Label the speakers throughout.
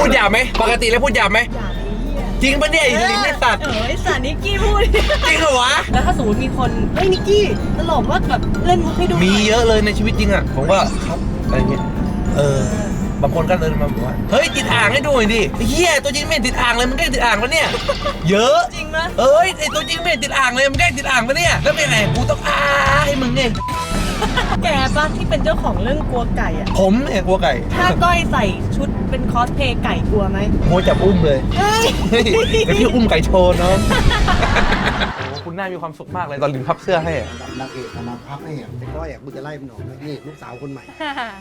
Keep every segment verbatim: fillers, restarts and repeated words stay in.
Speaker 1: พูดหยาบไหมปกติแล้วพูดหยาบไหมจริงปะเนี่ยไอ้ลิ้นไม่ตัด
Speaker 2: เออไอ้สันนิกกี้พูด
Speaker 1: จริงเหรอวะ
Speaker 2: แล้วถ้าสมมติมีคนเฮ้ยนิกกี้ตลกว่าแบบเล่นมุกให้ดู
Speaker 1: มีเยอะเลยในชีวิตจริงอ่ะผมว่าครับอะไรเงี้ยเออบางคนก็เดินมาบอกว่าเฮ้ยติดอ่างให้ดูหน่อยดิเฮียตัวจริงไม่ติดอ่างเลยมันแกล้งติดอ่างปะเนี่ยเยอะ
Speaker 2: จริงไหม
Speaker 1: เอ้ยไอตัวจริงไม่ติดอ่างเลยมันแกล้งติดอ่างปะเนี่ยแล้วเป็นไงกูต้องอ้าให้มึงไง
Speaker 2: แกป้าที่เป็นเจ้าของเรื่องกลัวไก่อ่ะ
Speaker 1: ผมเนี่ยกลัวไก่
Speaker 2: ถ้าก้อยใส่ชุดเป็นคอสเพลย์ไก่กลัวไหม
Speaker 1: โมจับอุ้มเลยเฮ้ยเดี๋ยวพี่อุ้มไก่โชว์น้องโอ้คุณน่ามีความสุขมากเลยตอนลินพับเสื้อให้
Speaker 3: นางเอกมาพับให้แต่ก้อยอ่ะกูจะไล่มันออกนี่ลูกสาวคนใหม่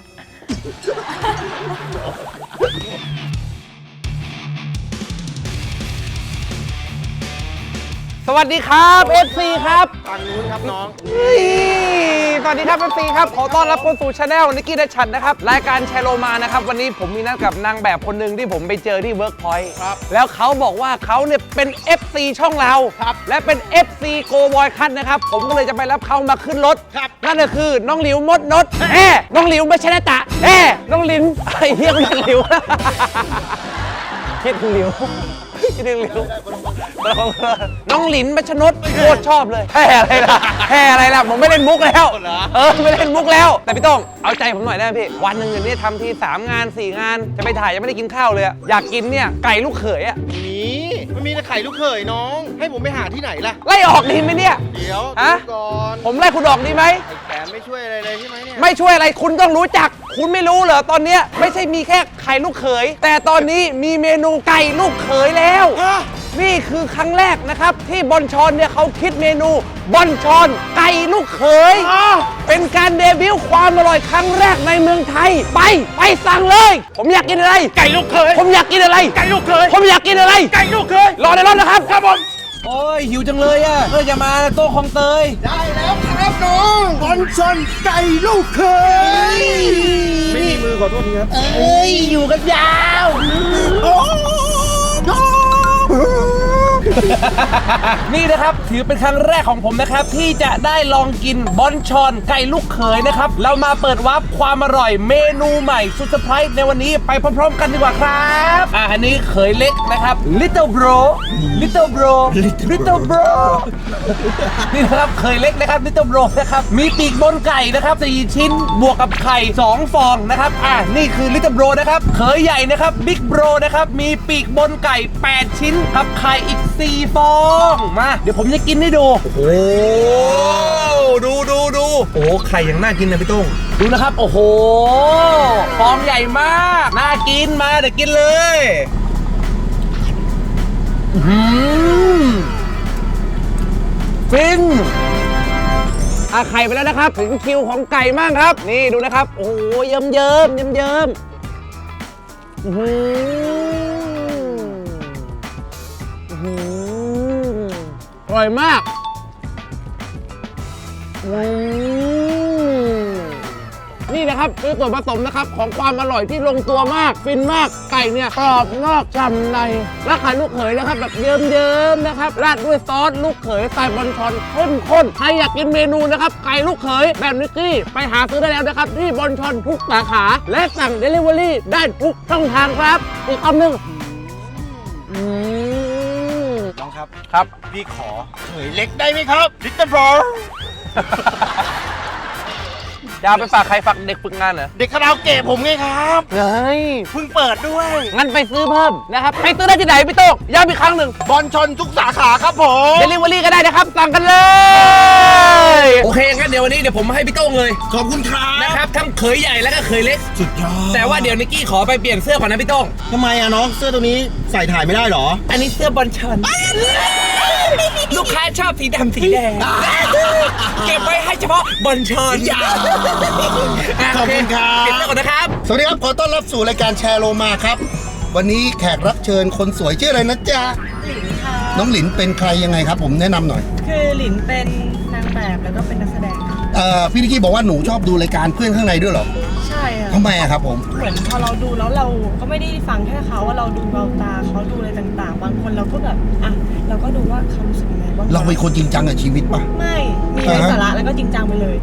Speaker 1: สวัสดีครับ เอฟ ซี ครับ
Speaker 3: ฝั่งนู้นครับน้อง
Speaker 1: สวัสดีครับ เอฟ ซี ครับขอต้อนรับเข้าสู่ช anel นิกกี้ ดัชชันนะครับรายการแชร์โลมานะครับวันนี้ผมมีนัดกับนางแบบคนหนึ่งที่ผมไปเจอที่เวิร์กพอยต์แล้วเขาบอกว่าเขาเนี่ยเป็น เอฟ ซี ช่องเราและเป็น เอฟ ซี โกบอยคัทนะครับผมก็เลยจะไปรับเขามาขึ้นรถนั่นก็คือน้องหลิวมดนดเอ๊น้องหลิวไม่ใช่นะตะเอ๊น้องลินไอ้เหี้ยน้องหลิวเฮ็ดหลิวคิดถึงหลิวน้องหลินมัชนดโคตรชอบเลยแห่อะไรล่ะแห่อะไรล่ะผมไม่เล่นมุกแล้วเออไม่เล่นมุกแล้วแต่พี่ต้องเอาใจผมหน่อยได้พี่วันหนึ่งเนี่ยทำทีสามงานสี่งานจะไปถ่ายยังไม่ได้กินข้าวเลยอยากกินเนี่ยไก่ลูกเขยอ่ะ
Speaker 3: มีมันมีแต่ไข่ลูกเขยน้องให้ผมไปหาที่ไหนล่ะ
Speaker 1: ไล่ออกดีไหมเนี่ย
Speaker 3: เดี๋ยว
Speaker 1: ฮะ
Speaker 3: ก่อน
Speaker 1: ผมไล่คุณออกดีไหม
Speaker 3: ไอ้แขนไม่ช่วยอะไรเลยใช่ไหมเนี่ย
Speaker 1: ไม่ช่วยอะไรคุณต้องรู้จักคุณไม่รู้เหรอตอนนี้ไม่ใช่มีแค่ไข่ลูกเขยแต่ตอนนี้มีเมนูไก่ลูกเขยแล้วนี่คือครั้งแรกนะครับที่บอนชอนเนี่ยเขาคิดเมนูบอนชอนไก่ลูกเขยเป็นการเดบิวต์ความอร่อยครั้งแรกในเมืองไทยไปไปสั่งเลยผมอยากกินอะไร
Speaker 3: ไก่ลูกเขย
Speaker 1: ผมอยากกินอะไร
Speaker 3: ไก่ลูกเขย
Speaker 1: ผมอยากกินอะไร
Speaker 3: ไก่ลูกเขย
Speaker 1: รอในรถนะครับครับผมโอ้ยหิวจังเลยอ่ะเออจะมาโต๊ะของเตย
Speaker 3: ได้แล้วครับน้องบอนชอนไก่ลูกเขยไม่มีมือขอโทษทีครับ
Speaker 1: เอ้ยอยู่กันยาวโอ้นี่นะครับถือเป็นครั้งแรกของผมนะครับที่จะได้ลองกินบอนชอนไก่ลูกเขยนะครับเรามาเปิดวาร์ปความอร่อยเมนูใหม่สุดเซอร์ไพรส์ในวันนี้ไปพร้อมๆกันดีกว่าครับอ่าอันนี้เขยเล็กนะครับ little bro little bro little bro นี่นะครับเขยเล็กนะครับ little bro นะครับมีปีกบนไก่นะครับสี่ชิ้นบวกกับไข่สองฟองนะครับอ่านี่คือ little bro นะครับเขยใหญ่นะครับ big bro นะครับมีปีกบนไก่แปดชิ้นกับไข่อีกสี่ฟองมาเดี๋ยวผมจะกินให้ดูโอ้ดูดูดูโอ้ไข่ยังน่ากินนะพี่ตุ้งดูนะครับโอ้โหฟองใหญ่มากน่ากินมาเดี๋ยวกินเลยอืมฟินอาไข่ไปแล้วนะครับถึงคิวของไก่มากครับนี่ดูนะครับโอ้โหเยิ้มเยิ้มเยิ้มเยิ้มอืมอร่อยมากนี่นะครับคือส่วนผสมนะครับของความอร่อยที่ลงตัวมากฟินมากไก่เนี่ยกรอบนอกฉ่ำในและไข่ลูกเขยนะครับแบบเยิ้มๆนะครับราดด้วยซอสลูกเขยสไตล์บอนชอนเข้มข้นใครอยากกินเมนูนะครับไก่ลูกเขยแบบนิกกี้ไปหาซื้อได้แล้วนะครับที่บอนชอนทุกสาขาและสั่งเดลิเวอรี่ได้ทุกช่องทางครับอีกคำหนึ่ง
Speaker 3: น้องครับ
Speaker 1: ครับ
Speaker 3: พี่ขอเขยเล็กได้ไหมครับลิตเติ้ลบรอ
Speaker 1: ยาวไปฝากใครฝากเด็กฝึกงานเหรอ
Speaker 3: เด็กคาราโอเกะผมไงครับ
Speaker 1: เฮ้ย
Speaker 3: เพิ่งเปิดด้วย
Speaker 1: งั้นไปซื้อเพิ่มนะครับไปซื้อได้ที่ไหนพี่โต้งย้ำอีกครั้งหนึ่ง
Speaker 3: บอนชอนทุกสาขาครับผม
Speaker 1: เดลิเวอรี่ก็ได้นะครับสั่งกันเลยโอเคงั้นเดี๋ยววันนี้เดี๋ยวผมให้พี่โต้งเลย
Speaker 3: ขอบคุณครับ
Speaker 1: นะครับทั้งเขยใหญ่แล้วก็เขยเล็ก
Speaker 3: สุดยอด
Speaker 1: แต่ว่าเดี๋ยวนิกกี้ขอไปเปลี่ยนเสื้อก่อนนะพี่โต้ง
Speaker 3: ทำไมอะน้องเสื้อตัวนี้ใส่ถ่ายไม่ได้หรอ
Speaker 1: อันนี้เสื้อบอลชอนลูกค้าชอบสีดำสีแดงเก็บไว้ให้เฉพาะบอลชอน
Speaker 3: ขอบคุณครับ
Speaker 1: เก็บไว้ก่อนนะครับ
Speaker 3: สวัสดีครับขอต้อนรับสู่รายการแชร์โลมาครับวันนี้แขกรับเชิญคนสวยชื่ออะไรนะจ๊ะ
Speaker 2: หลินค่ะ
Speaker 3: น้องหลินเป็นใครยังไงครับผมแนะนำหน่อย
Speaker 2: คือหลินเป็นนางแบบแล้วก็เป็นนักแสดง
Speaker 3: เอ่อพี่นิกกี้บอกว่าหนูชอบดูรายการเพื่อนข้างในด้วยเหรอ
Speaker 2: ใช่ค่ะ
Speaker 3: ทำไมอะครับผม
Speaker 2: เหมือนพอเราดูแล้วเราก็ไม่ได้ฟังแค่เขาว่าเราดูเบาตาเขาดูอะไรต่างๆบางคนเราก็แบบอ่ะเราก็ดูว่าเขารู้สึกยังไงบ้าง
Speaker 3: เราเป็นคนจริงจังกับชีวิตปะ
Speaker 2: ไม่มีไร้สาระแล้วก็จริงจังไปเลย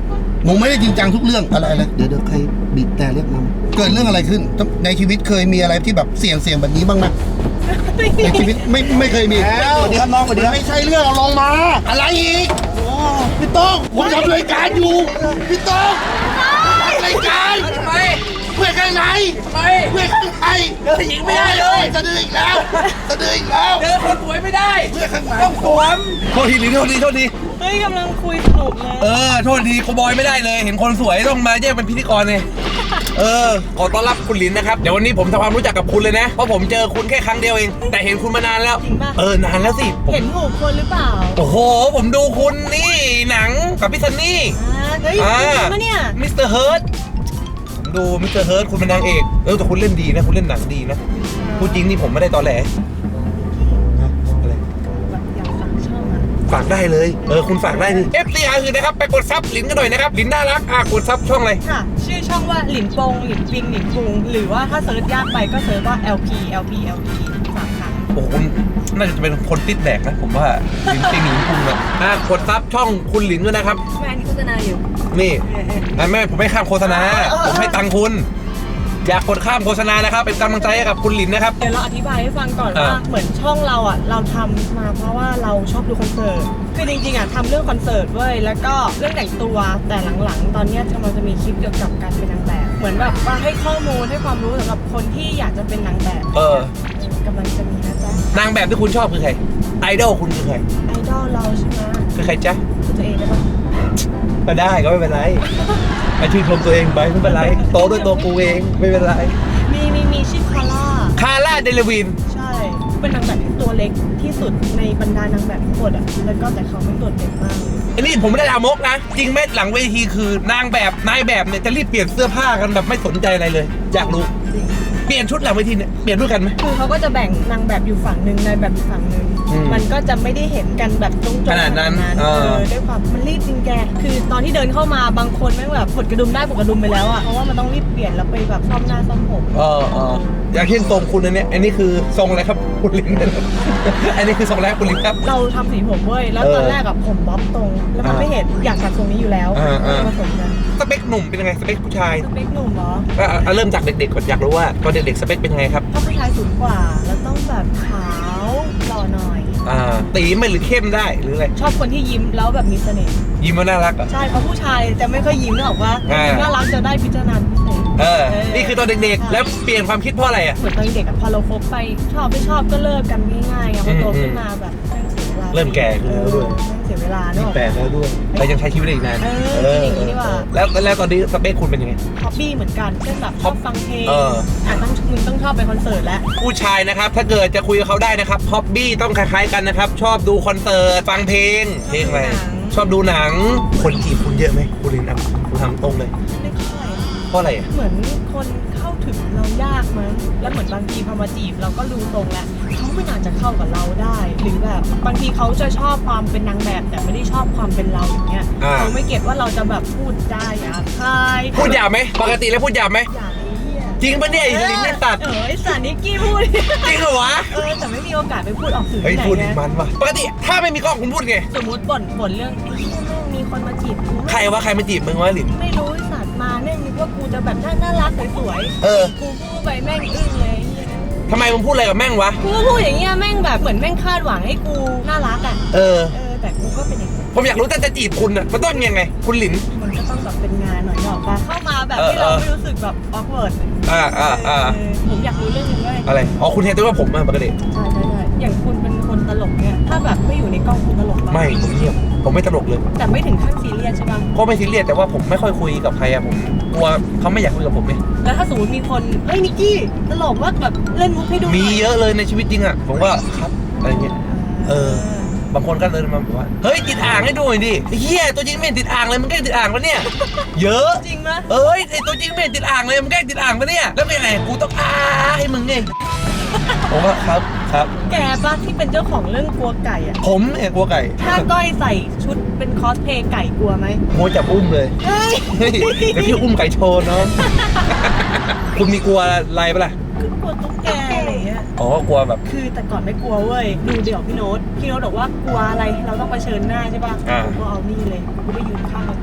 Speaker 3: หนูไม่ได้จริงจังทุกเรื่องอะไรเลยเดี๋ยวเดี๋ยวใครบีบแต่เรียกมันเกิดเรื่องอะไรขึ้นในชีวิตเคยมีอะไรที่แบบเสี่ยงเสี่ยงแบบนี้บ้างไหมในชีวิตไม่ไม่เคยมีสวัสดีครับน้องสวัสดีครับไม่ใช่เรื่องเอาลงมาอะไรอีกโอ้พี่ต้องผมทำรายการอยู่พี่ต้องรายการทำไมเพื่อนข้างในทำไมเพื่อนข้างในเจอหญิงไม่ได้เลยจะดื้ออีกแล้วจะดื้ออีกแล้ว
Speaker 1: เจอคนสวยไม่ได้
Speaker 3: เพื่อนข้างใน
Speaker 1: ต้องสวมโทษทีหลินโทษทีโทษที
Speaker 2: เฮ้ยกำลังคุยสนุกเลย
Speaker 1: เออโทษทีโคบอยไม่ได้เลย เห็นคนสวยต้องมาแยกเป็นพิธีกรเลยเออขอต้อนรับคุณหลินนะครับเดี๋ยววันนี้ผมทำความรู้จักกับคุณเลยนะเพราะผมเจอคุณแค่ครั้งเดียวเองแต่เห็นคุณมานานแล้ว
Speaker 2: จริงป่ะ
Speaker 1: เออนานแล้วสิผม
Speaker 2: เห็นถูกคนหรือเปล่า
Speaker 1: โอ้โหผมดูคุณนี่หนังกับพี่ซันนี่
Speaker 2: อ่าเฮ้ย
Speaker 1: อ่า
Speaker 2: จริงปะเนี่ย
Speaker 1: มิสเตอร์เฮิร์ตผมดูมิสเตอร์เฮิร์ตคุณเป็นนางเอกเออแต่คุณเล่นดีนะคุณเล่นหนังดีนะพูดจริงนี่ผมไม่ได้ตอแหลอะไร
Speaker 2: แบบอยากสั่งช่องอะ
Speaker 1: ฝากได้เลย เออ คุณฝากได้ดิ เอฟ ซี อาร์ คือนะครับ ไปกดซับหลินกันหน่อยนะครับ หลินน่ารัก อ่ะ กดซับช่องอะไร
Speaker 2: ค่ะ ชื่อช่องว่าหลินปงหลินปิงหลินพุงหรือว่าถ้าเซิร์ชยากไปก็เซิร์ชว่า แอล พี แอล พี แอล พี สามครั้ง
Speaker 1: โอ้โหคุณน่าจะเป็นคนติดแดกนะ ผมว่าหลินติงหลินพุงอะอ่ะ กดซับช่องคุณหลินด้วยนะครับ
Speaker 2: แม่อันนี้โฆษณาอยู่
Speaker 1: นี่
Speaker 2: เออเออ
Speaker 1: อ่ะแม่ผมไม่ข้ามโฆษณา ผมให้ตังค์คุณ อยากกดข้ามโฆษณานะครับ เป็นกำลังใจให้กับคุณหลินนะครับ
Speaker 2: เดี๋ยวเราอธิบายให้ฟังก่อนว่า
Speaker 1: อ่า
Speaker 2: เหมือนช่องเราอ่ะเราทำมาเพราะว่าเราชอบดูคอนเสิร์ตคือจริงๆอ่ะทำเรื่องคอนเสิร์ตเว้ยแล้วก็เรื่องแต่งตัวแต่หลังๆ ตอนเนี้ยเราจะมีคลิปเกี่ยวกับการเป็นนางแบบ เหมือนแบบว่าให้ข้อมูลให้ความรู้สำหรับคนที่อยากจะเป็นนางแบบ
Speaker 1: เออ
Speaker 2: กำลังจะมีนะจ๊ะ
Speaker 1: นางแบบที่คุณชอบคือใคร ไอดอลคุณคือใคร
Speaker 2: ไอดอลเราใช่ไหม
Speaker 1: คือใครจ๊ะ
Speaker 2: คือตัวเองได้ปะ
Speaker 1: ก็ได้ก็ไม่เป็นไรไอชื่นชมตัวเองไปไม่เป็นไร โตด้วยตัวกูเองไม่เป็นไร
Speaker 2: มีมีมีชื่อคาร่า
Speaker 1: คาร่าเดลวิน
Speaker 2: ใช่ เป็นนางแบบที่ตัวเล็กที่สุดในบรรดานางแบบทั้งหมดอ่ะแล้วก็แต่เขาไม่โดดเด่นมาก
Speaker 1: อันนี้ผมไม่ได้ลามกนะ จริงไหมหลังเวทีคือนางแบบนายแบบเนี่ยจะรีบเปลี่ยนเสื้อผ้ากันแบบไม่สนใจอะไรเลย อยากรู้
Speaker 2: จริง
Speaker 1: เปลี่ยนชุดหลังเวทีเนี่ยเปลี่ยนด้วยกันไหม
Speaker 2: คือเขาก็จะแบ่งนางแบบอยู่ฝั่งหนึ่งนายแบบอยู่ฝั่งหนึ่ง
Speaker 1: อืม
Speaker 2: มันก็จะไม่ได้เห็นกันแบบตรงๆ
Speaker 1: ขนาดนั้น
Speaker 2: เอ
Speaker 1: เออ
Speaker 2: อด้วยความมันรีบจริงแก คือตอนที่เดินเข้ามาบางคนแม่งแบบปลดกระดุมได้ปลดกระดุมไปแล้วอ่ะ เพราะว่ามันต้องรีบเปลี่ยนแล้วไปแบบซ่อมหน้าซ่อมผม
Speaker 1: เออเอออย่างเช่นทรงคุณอันเนี้ยอันนี้คือทรงอะไรครับคุณลิน อันนี้คือทรงอะไรครับคุณลินครับ
Speaker 2: เราทำสีผมเว้ย แล้วตอนแรกอะผมบ๊อบตรง แล้วมัน
Speaker 1: อ่า
Speaker 2: ไม่เห็นอยากตัดทรงนี้อยู่แล้ว
Speaker 1: อ่าอ่า
Speaker 2: ผสมกัน
Speaker 1: สเปคหนุ่มเป็นยังไงสเปคผู้ชาย
Speaker 2: สเปคหนุ่มเหรอ
Speaker 1: ก็เอาเริ่มจากเด็กๆก่อนอยากรู้ว่าตอนเด็กๆสเปคเป็นยังไงครับ
Speaker 2: ถ้าผู้ชายสูงกว่า แล้วต้องแบบขาวหล่อหน่อย
Speaker 1: อ่าตีไหมหรือเข้มได้หรืออะไร
Speaker 2: ชอบคนที่ยิ้มแล้วแบบมีเสน่ห์
Speaker 1: ยิ้มว่าน่ารักเหรอ่ะ
Speaker 2: ใช่เพราะผู้ชายจะไม่ค่อยยิ้มหรอกว่า
Speaker 1: อ่า
Speaker 2: น่ารักจะได้พิจารณาพิเศษ
Speaker 1: เออ
Speaker 2: เออ
Speaker 1: นี่คือตอนเด็กๆ แล้วเปลี่ยนความคิดเพราะอะไรอ่ะ
Speaker 2: เหมือนตอนเด็กอะพอเราคบไปชอบไม่ชอบก็เลิกกันง่ายๆไงพอโตขึ้นมาแบบแม่งเสียเวลา
Speaker 1: เริ่มแก่ขึ้นแล้วด้วย
Speaker 2: เออแม่งเสียเวลาเนอะ
Speaker 1: แปลกแล้วด้วยเรายังใช้ชีวิตได้อีกนาน
Speaker 2: เออคิดอย่างนี้ดีกว่า
Speaker 1: แล้วแล้วตอนนี้สเปคคุณเป็นยังไง
Speaker 2: ฮอบบี้เหมือนกันเช่นแบบชอบฟังเพลง
Speaker 1: เออ
Speaker 2: อ่ะต้องมึงต้องชอบไปคอนเสิร์ตแล้ว
Speaker 1: ผู้ชายนะครับ ถ้าเกิดจะคุยกับเขาได้นะครับฮอบบี้ต้องคล้ายๆกันนะครับ ชอบดูคอนเสิร์ตฟังเพลงเพลงอะไรชอบดูหนังคนจีบคุณเยอะไหมคุณลินครับคุณทำตรงเลย
Speaker 2: ไม่ค่อย
Speaker 1: เพราะอะไรอ่ะ
Speaker 2: เหมือนคนเข้าถึงเรายากมั้งแล้วเหมือนบางทีพอมาจีบเราก็รู้ตรงแล้วเขาไม่น่าจะเข้ากับเราได้ หรือแบบบางทีเขาจะชอบความเป็นนางแบบ แต่ไม่ได้ชอบความเป็นเราอย่างเงี้ย
Speaker 1: อ่า
Speaker 2: เขาไม่เก็ตว่าเราจะแบบพูดได้หยาบคาย
Speaker 1: พูดหยาบไหมปกติแล้วพูดหยาบไหม
Speaker 2: อย่างไอ้เหี้ย
Speaker 1: จริงปะเนี่ยไอ้ลินไม่ตัด
Speaker 2: เออไอ้สันนิกกี้พูด
Speaker 1: จริงเหรอวะ
Speaker 2: เออแต่ไม่มีโอกาสไปพูดออกสื่อ
Speaker 1: เฮ้ย
Speaker 2: ที่ไหน
Speaker 1: พูด
Speaker 2: ไง
Speaker 1: มันว่ะปกติถ้าไม่มีกล้องคุณพูดไง
Speaker 2: สมมติบ่นบ่นเรื่องไอ้เหี้ยแม่งมีคนมาจีบกู
Speaker 1: ใครวะใครมาจีบมึงวะลิน
Speaker 2: ไม่รู้ไอ้สัตว์มาแม่งนึกว่ากูจะแบบน่าน่ารักสวยๆ
Speaker 1: เออ
Speaker 2: กูพูดไปแม่งอึ้งเลยไอ้เหี้ย
Speaker 1: ทำไมมึงพูดอะไรกับแม่งวะ
Speaker 2: กูก็พูดอย่างเงี้ยแม่งแบบเหมือนแม่งคาดหวังให้กูน่ารักอ่ะ
Speaker 1: เออ
Speaker 2: เออแต่กูก็เป็นอย่างนี้
Speaker 1: ผมอยากรู้ถ้าจะจีบคุณอ่ะมันต้องยังไง คุณหลิน
Speaker 2: มันก็ต้องแบบเป็นงานหน่อยหรอกปะเข้ามาแบบ
Speaker 1: เออ
Speaker 2: ที่เรา
Speaker 1: เออ
Speaker 2: ไม่รู้สึกแบบออกเวิร์ด
Speaker 1: อ่าอ่าอ่า
Speaker 2: ผมอยากรู้เรื่องนึงด้วย
Speaker 1: อะไรอ๋อคุณเห็นตัวว่าผมอะปกติ
Speaker 2: ใช่ใช่ใช่อย่างคุณเป็นคนตลกเนี่ยถ้าแบบไม่อยู่ในกล้องคุณตลกปะ
Speaker 1: ไม่ผมเงียบผมไม่ตลกเลย
Speaker 2: แต่ไม่ถึงขั้นซีเรียสใช่ปะ
Speaker 1: ก็ไม่ซีเรียสแต่ว่าผมไม่ค่อยคุยกับใครอะผมกลัวเขาไม่อยากคุยกับผมไง
Speaker 2: แล้วถ้าสมมติมีคนเฮ้ยนิกกี้ตลกว่าแบบเล่นมุกให้ดูหน่
Speaker 1: มีเยอะเลยในชีวิตจริงอะผมก็ครับอะไรเงี้ย เออ บางคนก็เลยมาบอกว่าเฮ้ยติดอ่างให้ดูหน่อยดิไอ้เฮียตัวจริงไม่เห็นติดอ่างเลยมันแกล้งติดอ่างปะเนี่ยเยอะ
Speaker 2: จริงปะ
Speaker 1: เอ้ยไอตัวจริงไม่เห็นติดอ่างเลยมันแกล้งติดอ่างปะเนี่ยแล้วเป็นไงกูต้องอ้าให้มึงไงผมว่าครับครับ
Speaker 2: แกปะที่เป็นเจ้าของเรื่องกลัวไก่อะ
Speaker 1: ผมเนี่ยกลัวไก่
Speaker 2: ถ้าก้อยใส่ชุดเป็นคอสเพลย์ไก่กลัวไหม
Speaker 1: โมจับอุ้มเลย
Speaker 2: เฮ้ย
Speaker 1: เฮ้ยเดี๋ยวพี่อุ้มไก่โชว์น้อง คุณมีกลัวอะไรปะล่ะ
Speaker 2: คือกลัวตุ๊กแกอะไรอย่างเงี้ย
Speaker 1: อ๋อกลัวแบบ
Speaker 2: คือแต่ก่อนไม่กลัวเว้ย ดูเดี๋ยวพี่โน้ต พี่โน้ตบอกว่ากลัวอะไร เราต้องเผชิญหน้าใช่ป่ะ
Speaker 1: อ่า
Speaker 2: ผมก็เอานี่เลยกูไปยืนข้างประตูเลย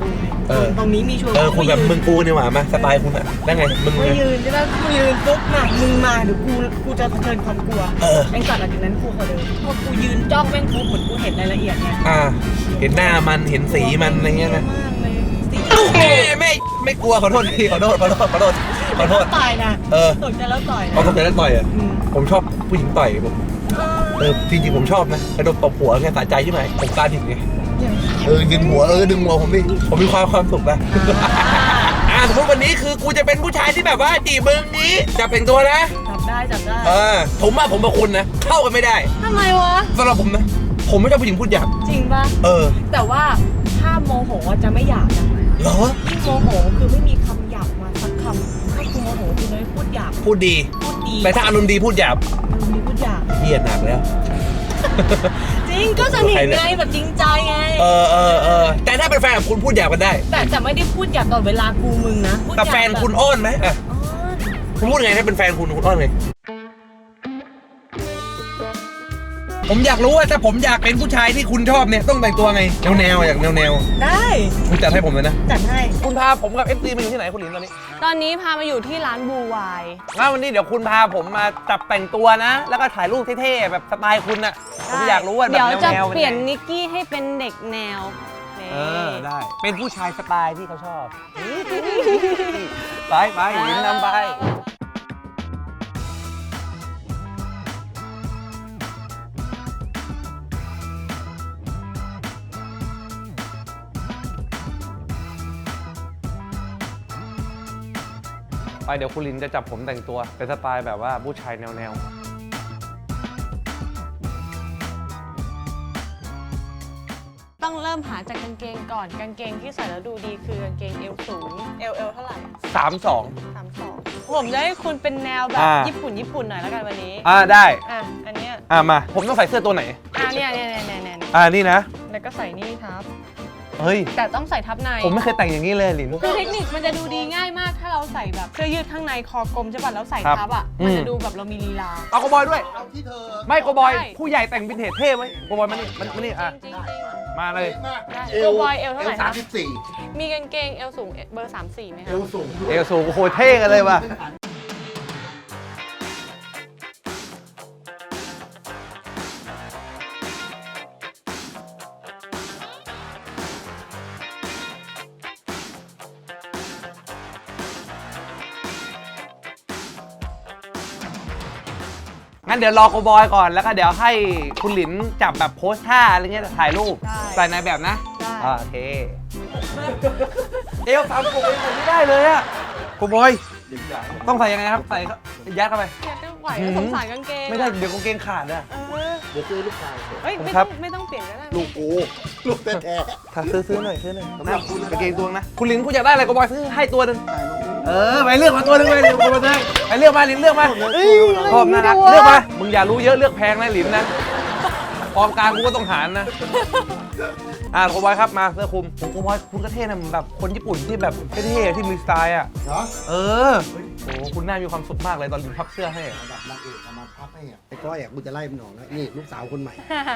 Speaker 1: เออ
Speaker 2: ตรงนี้มีชวน
Speaker 1: เออคุณแบบมึงกูนี่หว่ามาสไตล์คุณอะได้ไงมึง
Speaker 2: กู
Speaker 1: ไง
Speaker 2: ยืนใช่ไหมกูยืนปุ๊บน่ะมึงมาเดี๋ยวกูกูจะเผชิญความกลัว
Speaker 1: เออ
Speaker 2: แม่งจัดหลังจากนั้นกูขอเดินพอกูยืนจ้องแม่งปุ๊บเหมือนกูเห็นรายละเอียดไง
Speaker 1: อ่าเห็นหน้ามันเห็นสีมันอะไรเงี้ยนะ
Speaker 2: มากเลยสี
Speaker 1: แม่ไม่ไม่กลัวขอโทษทีขอโทษขอโทษขอโทษขอโทษ
Speaker 2: ต่อยนะ
Speaker 1: เออ
Speaker 2: ตกใจแล้วต่อยนะ
Speaker 1: เอาตบใจแล้วต่อยอ่ะ
Speaker 2: อืม
Speaker 1: ผมชอบผู้หญิงต่อยผมเออจริงๆผมชอบนะกระโดดตบหัวแค่สะใจใช่ไหมผมกล้าถึงไง
Speaker 3: เออดึงหัวเออดึงหัวผมดิ
Speaker 1: ผมมีความความสุขนะอ่าสมมติวันนี้คือกูจะเป็นผู้ชายที่แบบว่าจีบมึงนี้จะเป็นตัวนะ
Speaker 2: จับได้จับได้
Speaker 1: เออผมว่าผมกับคุณนะเข้ากันไม่ได้
Speaker 2: ทำไมวะ
Speaker 1: สำหรับผมนะผมไม่ชอบผู้หญิงพูดหยาบ
Speaker 2: จริงปะ
Speaker 1: เออ
Speaker 2: แต่ว่าถ้าโมโหอะจะไม่หยาบนะ
Speaker 1: เหรอ
Speaker 2: ที่โมโหคือไม่มีคำหยาบมาสักคำถ้ากูโมโหกูจะไม่พูดหยาบ
Speaker 1: พูดดี
Speaker 2: พูดดี
Speaker 1: แต่ถ้าอารมณ์ดีพูดหยาบ
Speaker 2: มึงมีพูดหยาบ
Speaker 1: เฮียหนักแล้ว
Speaker 2: จริงก็สนิทไงแบบจริงใจไง
Speaker 1: เออเออเออแต่ถ้าเป็นแฟนกับคุณพูดหยาบกันได้
Speaker 2: แต่จะไม่ได้พูดหยาบตลอดเวลากูมึงนะพูดห
Speaker 1: แต่
Speaker 2: ยาบ
Speaker 1: แฟนคุณอ้อนไหมอ่ะ
Speaker 2: อ๋อ
Speaker 1: คุณพูดไงถ้าเป็นแฟนคุณคุณอ้อนไงผมอยากรู้ว่าถ้าผมอยากเป็นผู้ชายที่คุณชอบเนี่ยต้องแต่งตัวไงแนวแนวๆอยากแนวแนว
Speaker 2: ได้
Speaker 1: ๆคุณจัดให้ผมเลยนะ
Speaker 2: จัดให้
Speaker 1: คุณพาผมกับเอฟซีมาอยู่ที่ไหนคุณหลินตอนนี้
Speaker 2: ตอนนี้พามาอยู่ที่ร้านบูวาย
Speaker 1: งั้นวันนี้เดี๋ยวคุณพาผมมาจับแต่งตัวนะ แล้วก็ถ่ายรูปเท่ๆแบบสไตล์คุณอะผมอยากรู้ว่าแบบ
Speaker 2: เดี๋ยว
Speaker 1: แนว
Speaker 2: จะ
Speaker 1: แนว
Speaker 2: เปลี่ยนนิกกี้ให้เป็นเด็กแนวนี่
Speaker 1: เออได้เป็นผู้ชายสไตล์ที่เขาชอบ ไปไปหลินนำไป ไปเดี๋ยวคุณลินจะจับผมแต่งตัวเป็นสไตล์แบบว่าผู้ชายแนวแนว
Speaker 2: ต้องเริ่มหาจากกางเกงก่อนกางเกงที่ใส่แล้วดูดีคือกางเกงเอวสูงเอวเอวเท่าไหร่
Speaker 1: สามสอง
Speaker 2: สามสองผมจะให้คุณเป็นแนวแบบ
Speaker 1: อ่า
Speaker 2: ญี่ปุ่นญี่ปุ่นหน่อยแล้วกันวันนี้
Speaker 1: อ่าได้
Speaker 2: อ่ะอันเนี้ย
Speaker 1: อ่ามา ผมต้องใส่เสื้อตัวไหน
Speaker 2: อ่ะเนี่ยเนี่ยเนี่ยเนี่ยเนี่ย
Speaker 1: อ่านี่นะ
Speaker 2: แล้วก็ใส่นี่ทับ
Speaker 1: เฮ้ย
Speaker 2: แต่ต้องใส่ทับใน
Speaker 1: ผมไม่เคยแต่งอย่างนี้เลยหลิน
Speaker 2: คือเทคนิคมันจะดูดีง่ายมากถ้าเราใส่แบบเสื้อยืดข้างในคอกลมใช่ป่ะแล้วใส่
Speaker 1: ครับ
Speaker 2: ทับอ่ะ
Speaker 1: อืม
Speaker 2: มันจะดูแบบเรามีลีลา
Speaker 1: เอาโกบอยด้วย
Speaker 3: เอาที่เธอ
Speaker 1: ไม่โกบอย
Speaker 2: ได้
Speaker 1: ผู้ใหญ่แต่งวินเทจเท่ไหมโกบอยมานี่มันมานี่อ่ะ
Speaker 2: จริงๆจริง
Speaker 1: มาเลย
Speaker 2: ได้ตัวบอยเอวเท่าไหร่
Speaker 3: สา
Speaker 2: คะ
Speaker 3: มสิบสี่
Speaker 2: ๆมีกางเกงเอวสูงเบอร์สามสี่ไหม
Speaker 3: เอ
Speaker 2: คะ
Speaker 3: วสูง
Speaker 1: เอวสูงโอ้โหเท่กันเลยว่ะงั้นเดี๋ยวรอโกบอยก่อนแล้วก็เดี๋ยวให้คุณหลินจับแบบโพสท่าอะไรเงี้ยถ่ายรูป
Speaker 2: ได้
Speaker 1: ใส่ในแบบนะ
Speaker 2: ได้
Speaker 1: อ่าโอเคเอวสามกบเอวผมไม่ได้เลยอะโกบอยต้องใส่ยังไงครับใส่เข้ายัดเข้าไป
Speaker 2: เนี่ยก็ไหวแล้วสงสารกางเกง
Speaker 1: ไม่ได้เดี๋ยวกางเกงขาดอะ
Speaker 2: เออ
Speaker 3: เดี๋ยวซื้อลูกชาย
Speaker 2: เฮ้ย
Speaker 1: ผม
Speaker 2: ไม่
Speaker 1: ครั
Speaker 2: ต้อบ งไม่ต้องเปลี่ยนก็ได้
Speaker 3: ลูกกูลูกแท้
Speaker 1: ถ้าซื้อซื้อหน่อยซื้อหน่อย
Speaker 3: สำหรับคุณนะ
Speaker 1: กางเกงตัวนึงนะคุณลินคุณอยากได้อะไรโกบอยซื้อให้ตัวหนึง
Speaker 3: ๆถ่ายรูป
Speaker 1: เออไปเลือกมาตัวหนึงไปเลือกมาตัวหนึงไปเลือกมาลินเลือกมา
Speaker 3: เอ้ย
Speaker 1: ชอบน่ารักเลือกมามึงอย่ารู้เยอะเลือกแพงนะลินนะกองกลางกูก็ต้องหารนะ อ่าโกบอยครับมาเสื้อคลุมผมโกบอยคุณก็เท่นะเหมือนแบบคนญี่ปุ่นที่แบบเท่ๆที่มีสไตล์อ่ะ
Speaker 3: เหรอ
Speaker 1: เออโอ้โหคุณน่ามีความสุขมากเลยตอนลินพับเสื้อให้อะ
Speaker 3: ระดับนางเอกเอามาพับให้อ่ะไอ้ก้อยอ่ะกูจะไล่มันออกแล้วนี่ลูกสาวคนใหม่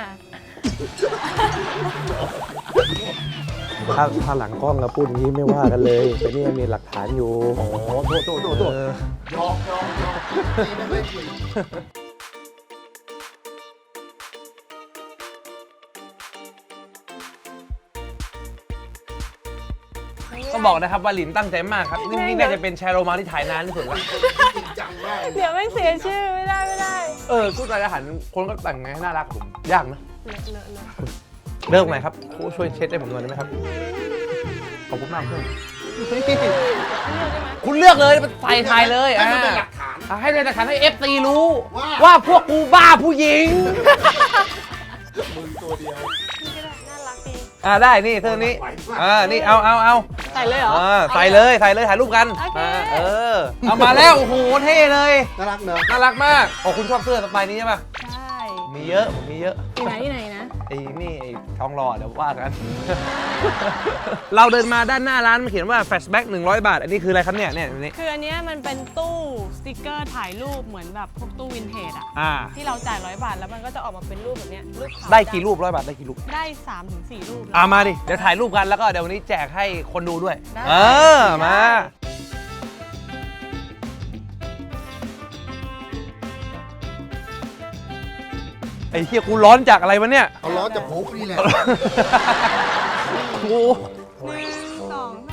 Speaker 1: ถ้าถ้าหลังกล้องเราพูดอย่างนี้ไม่ว่ากันเลยแต่นี่มีหลักฐานอยู่โอ้โหโทษโทษโทษโทษ
Speaker 3: ยอกยอกยอกนี่ไม่ไม่คุย
Speaker 1: ต้องบอกนะครับว่าลินตั้งใจมากครับนี่นี่น่าจะเป็นแชร์โรมาที่ถ่ายนานที่สุดแล้ว
Speaker 3: จริงจังมากเลย
Speaker 2: เดี๋ยวไม่เสียชื่อไม่ได้ไม่ได้
Speaker 1: เออชุดรายอาหารคนก็แต่งไงให้น่ารักผมยากนะ
Speaker 2: เลอะเลอะเลอะ
Speaker 1: เลิกหน่อยครับผู้ช่วยเช็ดให้ผมหน่อยได้ไหมครับขอบคุณมากเพื่อน
Speaker 2: เลือกได้ไหม
Speaker 1: คุณเลือกเลยใส่ถ่ายเลย
Speaker 3: ให้
Speaker 1: อ่า
Speaker 3: มันเป็นหลักฐาน
Speaker 1: อ่ะให้เป็นหลักฐานให้ เอฟ ซี รู้
Speaker 3: ว่า
Speaker 1: ว่าพวกกูบ้าผู้หญิง
Speaker 3: มึงตัวเดียว
Speaker 2: นี่ก็ได้น่ารักดี
Speaker 1: อ่าได้นี่เสื้อนี้อ่านี่เอาเอาเอา
Speaker 2: ใส่เลยเหรอ
Speaker 1: อ่าใส่เลยใส่เลยถ่ายรูปกัน
Speaker 2: โอเค
Speaker 1: อ่าเออเอามาแล้วโอ้โหเท่เลย
Speaker 3: น่ารักเนอะ
Speaker 1: น่ารักมากอ๋อคุณชอบเสื้อสไตล์นี้ใช่ปะ
Speaker 2: ใช่
Speaker 1: มีเยอะผมมีเยอะ
Speaker 2: ที่ไหนที่ไหนนะ
Speaker 1: ไอ้นี่ไอ้ทองหล่อเดี๋ยวว่ากัน เราเดินมาด้านหน้าร้านมันเขียนว่าแฟลชแบ็กหนึ่งร้อยบาทอันนี้คืออะไรครับเนี่ยเนี่ยอันนี้
Speaker 2: คืออันเนี้ยมันเป็นตู้สติกเกอร์ถ่ายรูปเหมือนแบบพวกตู้วินเทจอะ
Speaker 1: อ่า
Speaker 2: ที่เราจ่ายร้อยบาทแล้วมันก็จะออกมาเป็นรูปแบบเนี้ยรูปขาว
Speaker 1: ได้กี่รูปร้อยบาทได้กี่รูป
Speaker 2: ได้สามถึงสี่รูป
Speaker 1: อ่ามาดิเดี๋ยวถ่ายรูปกันแล้วก็เดี๋ยววันนี้แจกให้คนดูด้วย
Speaker 2: ได้
Speaker 1: เออมาไอ้เฮียกูร้อนจากอะไรวะเนี่ย
Speaker 3: เอาล้อจากโผล่นี่แหละ
Speaker 1: โอ้
Speaker 2: หนึ่งสองสาม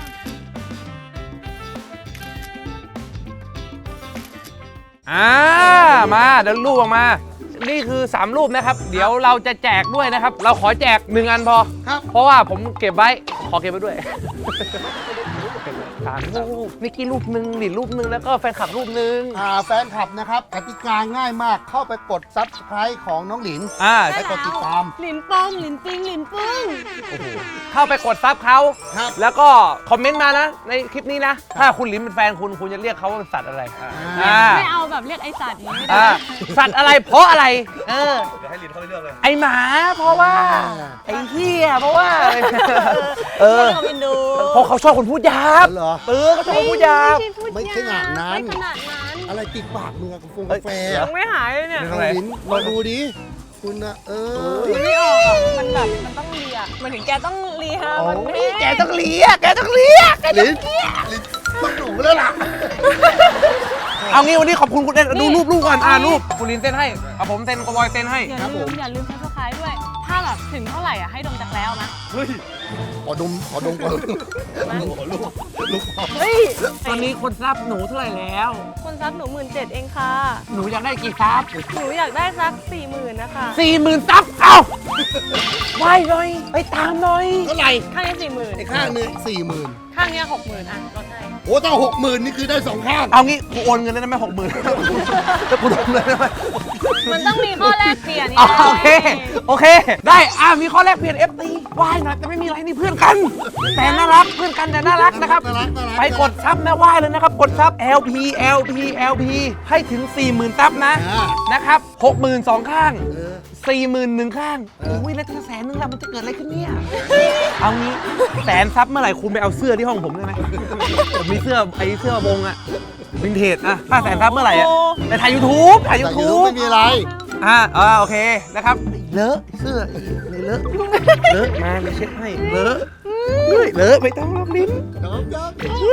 Speaker 1: อ่ามาเดี๋ยวรูปออกมา นี่คือสามรูปนะครับ เดี๋ยวเราจะแจกด้วยนะครับ เราขอแจกหนึ่งอันพอ
Speaker 3: ครับ
Speaker 1: เพราะว่าผมเก็บไว้ ขอเก็บไว้ด้วย สามรูปนิกกี้รูปหนึ่งหลินรูปหนึ่งแล้วก็แฟนคลับรูปหนึ่ง
Speaker 3: อ่าแฟนคลับนะครับกติกาง่ายมากเข้าไปกดซับสไครต์ของน้องหลิน
Speaker 1: อ่า
Speaker 3: ไปกดติดตาม
Speaker 2: หลินป้องหลินปิงหลินปึ้ง
Speaker 1: เข้าไปกดซับเขา
Speaker 3: ครับ
Speaker 1: แล้วก็คอมเมนต์มานะ ในคลิปนี้นะ ถ้าคุณหลินเป็นแฟนคุณคุณจะเรียกเขาว่าเป็นสัตว์อะไร อ่า
Speaker 2: ไม่เอาแบบเรียกไอสัตว์นี้ไม่ได้
Speaker 1: อ่าสัตว์อะไรเพราะอะไร เออ
Speaker 4: เดี๋ยวให้ลินเขาไปเลือกเลย
Speaker 1: ไอหมาเพราะว่า ไอเหี้ยเพราะว่า เออ
Speaker 2: ไม่เอาเป็นดู
Speaker 1: เพราะเขาชอบคนพูดหยาบ
Speaker 3: เหรอ
Speaker 1: เออเขาชอบคนพูดหยาบ
Speaker 3: ไม่ขนาดนั้น
Speaker 2: ไม่ขนาดนั้น
Speaker 3: อะไรติดปากมึงอะกาแฟ
Speaker 1: เอ้ย
Speaker 3: กาแฟ
Speaker 2: ยังไม่หายเลยเนี่ย
Speaker 1: เดี๋ยว
Speaker 3: น้องหลินมาดูดิคุณนะเออ
Speaker 2: มันไม่ออกอ่ะมันแบบมันต้องเลียมันถึงแกต้องเลียมันไม่
Speaker 1: แกต้องเลี้ยแกต้องเลี้ยแกต้อง
Speaker 3: ลิ้นลิ้นต้องหนูแล้วล่ะ
Speaker 1: เอางี้วันนี้ขอบคุณคุณเต้นดูรูปรูปก่อนอ่ารูปคุณลินเต้นให้เอาผมเต้นกบอยเต้นให้
Speaker 2: อย่าลืมอย่าลืมซับสไครต์ด้วย ถ้าแบบถึงเท่าไหร่อ่ะให้ดมจากแล้วนะ
Speaker 3: ขอดมขอดมก่อนลูกลูกลูก
Speaker 2: เฮ้ย
Speaker 1: ตอนนี้คนซับหนูเท่าไหร่แล้ว
Speaker 2: คนซับหนูหมื่นเจ็ดเองค่ะ
Speaker 1: หนูอยากได้กี่ซับ
Speaker 2: หนูอยากได้สักสี่หมื่นนะคะ
Speaker 1: สี่หมื่นซับเอ้าไหวหน่อยไปตามหน่อย
Speaker 3: เท่าไหร่
Speaker 2: ข้างนี้สี่หมื่น
Speaker 3: ไอ้ข้างหนึงสี่หมื่น
Speaker 2: ข้างเนี้หกหมื่นอ่ะลดให้
Speaker 3: โอ้ถ้าหกหมื่นนี่คือได้สองข้าง
Speaker 1: เอางี้กูโอนเงินได้ไหมหกหมื่นแล้วกูโดนเลยได้ไหม
Speaker 2: มันต้องมีข้อแลกเปลี่ยน
Speaker 1: อ๋อโอเคโอเค ได้อ่ามีข้อแรกเปลี่ยน เอฟ ตีไหวหน่อยแต่ไม่มีอะไรนี่เพื่อนกัน แต่น่ารักเพื่อนกันแต่น่ารักนะครับ
Speaker 3: น่ารักน่ารัก
Speaker 1: ไปกดซับนะไหว้เลยนะครับ กดซับ แอล พี แอล พี แอล พี ให้ถึง สี่หมื่น ซับนะ
Speaker 3: อ่า
Speaker 1: นะครับ หกหมื่น สองข้าง
Speaker 3: เออ
Speaker 1: สี่หมื่น หนึ่งข้าง
Speaker 3: เออ
Speaker 1: อุ้ยแล้วถ้าแสนนึงล่ะมันจะเกิดอะไรขึ้นเนี่ย เอางี้แสนซับเมื่อไหร่คุณไปเอาเสื้อที่ห้องผมได้ไหมผมมีเสื้อไอ้เสื้อวงอะวินเทจอะถ้าแสนซับเมื่อไหร่อะไปถ่ายยูทูบถ่ายยู
Speaker 3: แต่ยู
Speaker 1: ทู
Speaker 3: ทูบบ ไม่มีอะไร
Speaker 1: อ่าอ่าโอเคนะครับเลอะเสื้อเลยเลอะเลอะมาไปเช็ดให้เลอะเฮ้ยเลอะไม่ต้องรอบลิ้น
Speaker 3: น้องยอม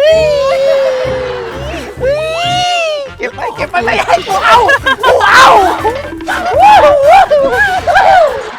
Speaker 1: เก็บไปเก็บไปไม่ให้กูเอากูเอา